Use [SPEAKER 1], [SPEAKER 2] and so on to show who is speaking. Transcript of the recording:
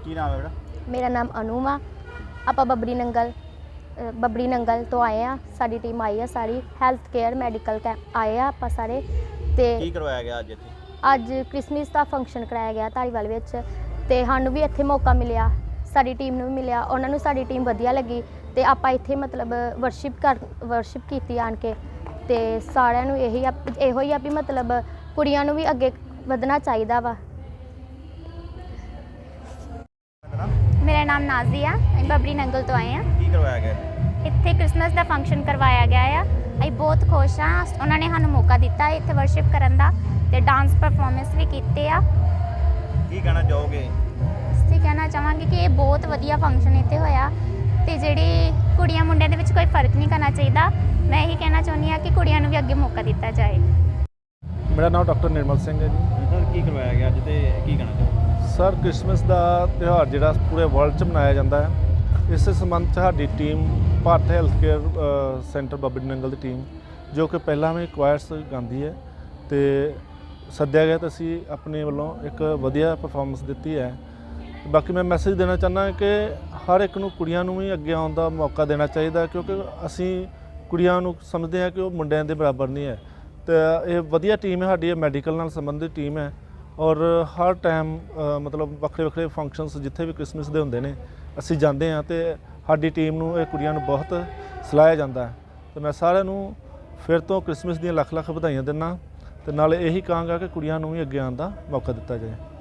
[SPEAKER 1] ਕੀ ਨਾਮ ਹੈ ਬੇਟਾ?
[SPEAKER 2] ਮੇਰਾ ਨਾਮ ਅਨੂ ਵਾ। ਆਪਾਂ ਬੱਬਰੀ ਨੰਗਲ ਤੋਂ ਆਏ ਆ। ਸਾਡੀ ਟੀਮ ਆਈ ਆ ਸਾਰੀ ਹੈਲਥ ਕੇਅਰ ਮੈਡੀਕਲ ਕੈਂਪ ਆਏ ਆ ਆਪਾਂ ਸਾਰੇ। ਤੇ
[SPEAKER 1] ਕੀ ਕਰਵਾਇਆ ਗਿਆ ਅੱਜ ਇੱਥੇ?
[SPEAKER 2] ਅੱਜ ਕ੍ਰਿਸਮਸ ਦਾ ਫੰਕਸ਼ਨ ਕਰਾਇਆ ਗਿਆ ਧਾਰੀਵਾਲ ਵਿੱਚ ਤੇ ਸਾਨੂੰ ਵੀ ਇੱਥੇ ਮੌਕਾ ਮਿਲਿਆ, ਸਾਡੀ ਟੀਮ ਨੂੰ ਵੀ ਮਿਲਿਆ, ਉਹਨਾਂ ਨੂੰ ਸਾਡੀ ਟੀਮ ਵਧੀਆ ਲੱਗੀ ਤੇ ਆਪਾਂ ਇੱਥੇ ਮਤਲਬ ਵਰਸ਼ਿਪ ਕੀਤੀ ਆਣ ਕੇ। ਤੇ ਸਾਰਿਆਂ ਨੂੰ ਇਹੋ ਹੀ ਆ ਵੀ ਮਤਲਬ ਕੁੜੀਆਂ ਨੂੰ ਵੀ ਅੱਗੇ ਵਧਣਾ ਚਾਹੀਦਾ ਵਾ।
[SPEAKER 3] मेरा नाम नाजी आ, बबरी नंगल तो आए हैं।
[SPEAKER 1] ਕੀ ਕਰਵਾਇਆ ਗਿਆ?
[SPEAKER 3] इत्थे क्रिसमस का फंक्शन करवाया गया है। ਅਸੀਂ ਬਹੁਤ ਖੁਸ਼ ਹਾਂ, ਉਹਨਾਂ ਨੇ ਸਾਨੂੰ ਮੌਕਾ ਦਿੱਤਾ ਇੱਥੇ ਵਰਸ਼ਿਪ ਕਰਨ ਦਾ ਤੇ ਡਾਂਸ ਪਰਫਾਰਮੈਂਸ ਵੀ ਕੀਤੇ ਆ।
[SPEAKER 1] ਕੀ ਕਹਿਣਾ ਚਾਹੋਗੇ?
[SPEAKER 3] ਅਸੀਂ ਕਹਿਣਾ ਚਾਹਾਂਗੇ ਕਿ ਇਹ ਬਹੁਤ ਵਧੀਆ ਫੰਕਸ਼ਨ ਇੱਥੇ ਹੋਇਆ ਤੇ ਜਿਹੜੀ ਕੁੜੀਆਂ ਮੁੰਡਿਆਂ ਦੇ ਵਿੱਚ ਕੋਈ ਫਰਕ ਨਹੀਂ ਕਰਨਾ ਚਾਹੀਦਾ। ਮੈਂ ਇਹੀ ਕਹਿਣਾ ਚਾਹੁੰਦੀ ਹਾਂ ਕਿ ਕੁੜੀਆਂ ਨੂੰ ਵੀ ਅੱਗੇ ਮੌਕਾ ਦਿੱਤਾ ਜਾਏ।
[SPEAKER 4] ਮੇਰਾ ਨਾਮ ਡਾਕਟਰ ਨਿਰਮਲ ਸਿੰਘ ਹੈ ਜੀ।
[SPEAKER 1] ਸਰ ਕੀ ਕਰਵਾਇਆ ਗਿਆ ਅੱਜ ਤੇ ਕੀ ਕਹਿਣਾ ਚਾਹੋਗੇ?
[SPEAKER 4] ਸਰ ਕ੍ਰਿਸਮਸ ਦਾ ਤਿਉਹਾਰ ਜਿਹੜਾ ਪੂਰੇ ਵਰਲਡ 'ਚ ਮਨਾਇਆ ਜਾਂਦਾ ਹੈ, ਇਸੇ ਸੰਬੰਧ 'ਚ ਸਾਡੀ team Bharat health care centre Babbri Nangal ਦੀ ਟੀਮ ਜੋ ਕਿ ਪਹਿਲਾਂ ਵੀ ਕੁਆਇਰਸ ਗਾਉਂਦੀ ਹੈ ਤੇ ਸੱਦਿਆ ਗਿਆ ਤਾਂ ਅਸੀਂ ਆਪਣੇ ਵੱਲੋਂ ਇੱਕ ਵਧੀਆ ਪਰਫਾਰਮੈਂਸ ਦਿੱਤੀ ਹੈ। ਬਾਕੀ ਮੈਂ ਮੈਸੇਜ ਦੇਣਾ ਚਾਹੁੰਦਾ ਕਿ ਹਰ ਇੱਕ ਨੂੰ ਕੁੜੀਆਂ ਨੂੰ ਵੀ ਅੱਗੇ ਆਉਣ ਦਾ ਮੌਕਾ ਦੇਣਾ ਚਾਹੀਦਾ, ਕਿਉਂਕਿ ਅਸੀਂ ਕੁੜੀਆਂ ਨੂੰ ਸਮਝਦੇ ਹਾਂ ਕਿ ਉਹ ਮੁੰਡਿਆਂ ਦੇ ਬਰਾਬਰ ਨਹੀਂ ਹੈ। ਤੇ ਇਹ ਵਧੀਆ ਟੀਮ ਹੈ ਸਾਡੀ, ਇਹ ਮੈਡੀਕਲ ਨਾਲ ਸੰਬੰਧਿਤ ਟੀਮ ਹੈ ਔਰ ਹਰ ਟਾਈਮ ਮਤਲਬ ਵੱਖਰੇ ਫੰਕਸ਼ਨਸ ਜਿੱਥੇ ਵੀ ਕ੍ਰਿਸਮਸ ਦੇ ਹੁੰਦੇ ਨੇ ਅਸੀਂ ਜਾਂਦੇ ਹਾਂ ਤੇ ਸਾਡੀ ਟੀਮ ਨੂੰ ਇਹ ਕੁੜੀਆਂ ਨੂੰ ਬਹੁਤ ਸਲਾਹਿਆ ਜਾਂਦਾ ਹੈ। ਤੇ ਮੈਂ ਸਾਰਿਆਂ ਨੂੰ ਫਿਰ ਤੋਂ ਕ੍ਰਿਸਮਸ ਦੀਆਂ ਲੱਖ ਵਧਾਈਆਂ ਦਿੰਦਾ ਤੇ ਨਾਲੇ ਇਹੀ ਕਹਾਂਗਾ ਕਿ ਕੁੜੀਆਂ ਨੂੰ ਵੀ ਅੱਗੇ ਆਉਣ ਦਾ ਮੌਕਾ ਦਿੱਤਾ ਜਾਏ।